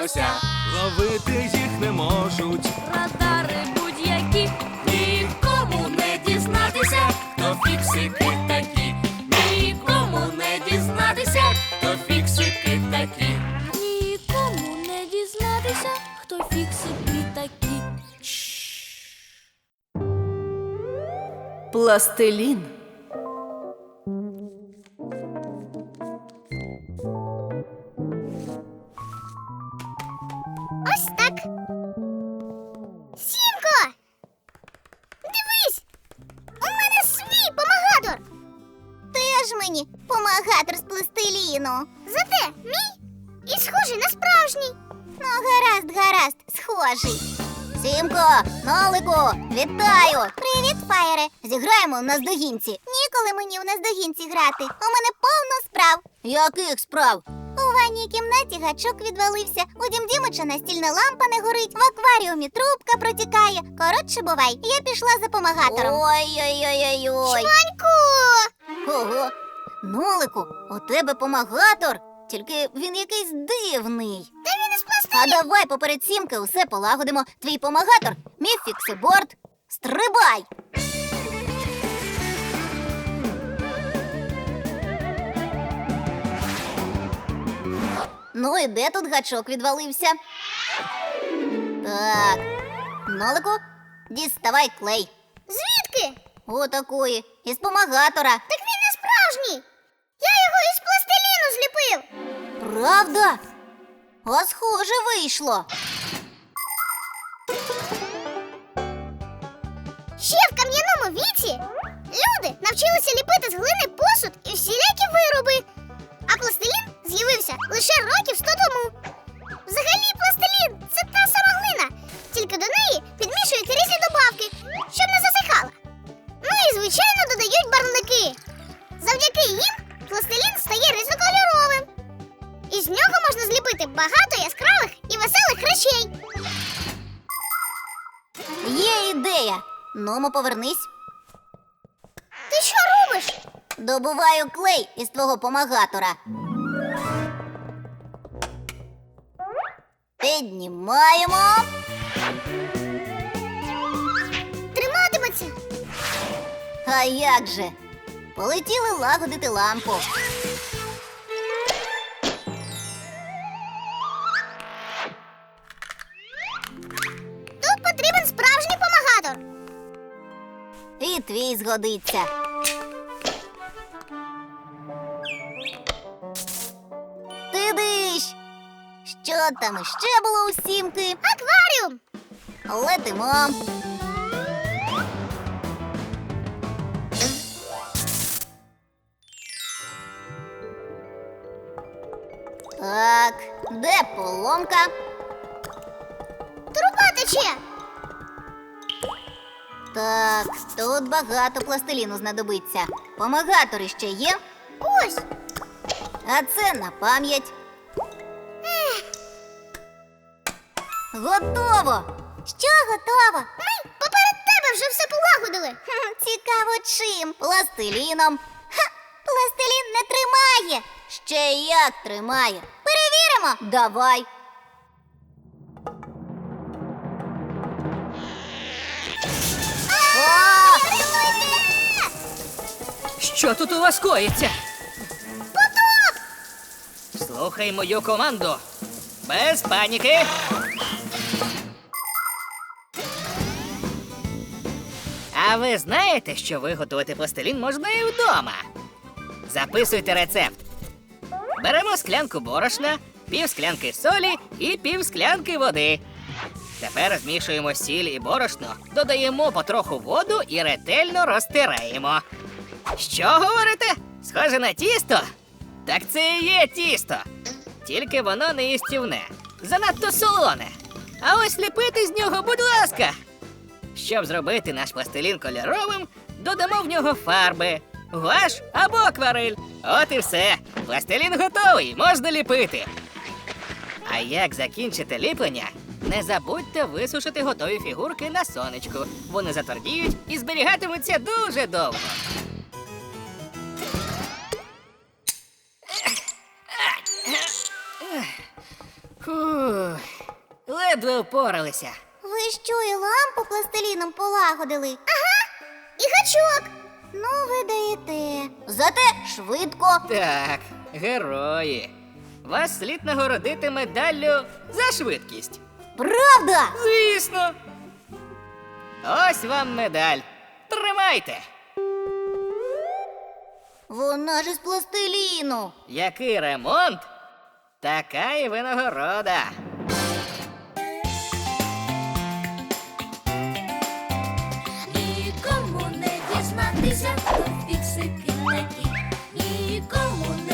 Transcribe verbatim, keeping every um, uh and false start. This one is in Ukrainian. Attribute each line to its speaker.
Speaker 1: лося. Ловити їх не можуть
Speaker 2: Радари будь-які. Нікому не дізнатися, хто фіксики такі. Нікому не дізнатися, хто фіксики такі. Нікому не дізнатися, хто фіксики такі.
Speaker 3: Пластилін.
Speaker 4: Ось так. Сімко! Дивись! У мене свій помагатор! Теж мені помагатор з пластиліну. Зате мій і схожий на справжній. Ну, гаразд, гаразд, схожий. Сімко, Нолику, вітаю! Привіт, Фаєре! Зіграємо в наздогінці. Ніколи мені в наздогінці грати. У мене повно справ. Яких справ? У ванній кімнаті гачок відвалився, у Дім Дімича настільна лампа не горить, в акваріумі трубка протікає. Коротше, бувай, я пішла за помагатором. Ой-ой-ой-ой-ой. Шваньку! Ого! Нолику, у тебе помагатор, тільки він якийсь дивний. Та він із пластиліну. А давай поперед Сімки усе полагодимо. Твій помагатор, мій фіксиборд. Стрибай! Ну і де тут гачок відвалився? Так, Нолику, діставай клей. Звідки? Отакої, із помагатора. Так він не справжній. Я його із пластиліну зліпив. Правда? А схоже вийшло. Ще в кам'яному віці люди навчилися ліпити з глини посуд і всілякі вироби. А пластилін з'явився лише років сто тому. Взагалі пластилін – це та сама глина, тільки до неї підмішують різні добавки, щоб не засихала. Ну і, звичайно, додають барвники. Завдяки їм пластилін стає різнокольоровим. І з нього можна зліпити багато яскравих і веселих речей. Є ідея. Нумо, повернись. Ти що робиш? Добуваю клей із твого помагатора. Піднімаємо. Триматиметься. А як же? Полетіли лагодити лампу. Тут потрібен справжній помагатор. І твій згодиться. Ти диш! Що там іще було у Сімки? Акваріум! Летимо. Так, де поломка? Труба тече. Так, тут багато пластиліну знадобиться. Помагатори ще є? Ось. А це на пам'ять. Готово! Що готово? Ми поперед тебе вже все полагодили. Хм, цікаво чим? Пластиліном. Ха! Пластилін не тримає. Ще як тримає. Перевіримо. Давай. О!
Speaker 5: Що тут у вас коїться?
Speaker 4: Потоп!
Speaker 5: Слухай мою команду. Без паніки. А ви знаєте, що виготовити пластилін можна і вдома? Записуйте рецепт. Беремо склянку борошна, пів склянки солі і пів склянки води. Тепер змішуємо сіль і борошно, додаємо потроху воду і ретельно розтираємо. Що говорите? Схоже на тісто? Так це і є тісто. Тільки воно не їстівне, занадто солоне. А ось ліпити з нього, будь ласка. Щоб зробити наш пластилін кольоровим, додамо в нього фарби, гуаш або акварель. От і все. Пластилін готовий, можна ліпити. А як закінчите ліплення, не забудьте висушити готові фігурки на сонечку. Вони затвердіють і зберігатимуться дуже довго. Фух. ледве впоралися.
Speaker 4: Ви що, і лампу пластиліном полагодили? Ага, і гачок. Ну, ви даєте. Зате швидко.
Speaker 5: Так, герої. Вас слід нагородити медаллю за швидкість.
Speaker 4: Правда?
Speaker 5: Звісно. Ось вам медаль. Тримайте.
Speaker 4: Вона ж із пластиліну.
Speaker 5: Який ремонт, така і винагорода.
Speaker 2: Нікому не дізнатися, хто фіксики такі. Нікому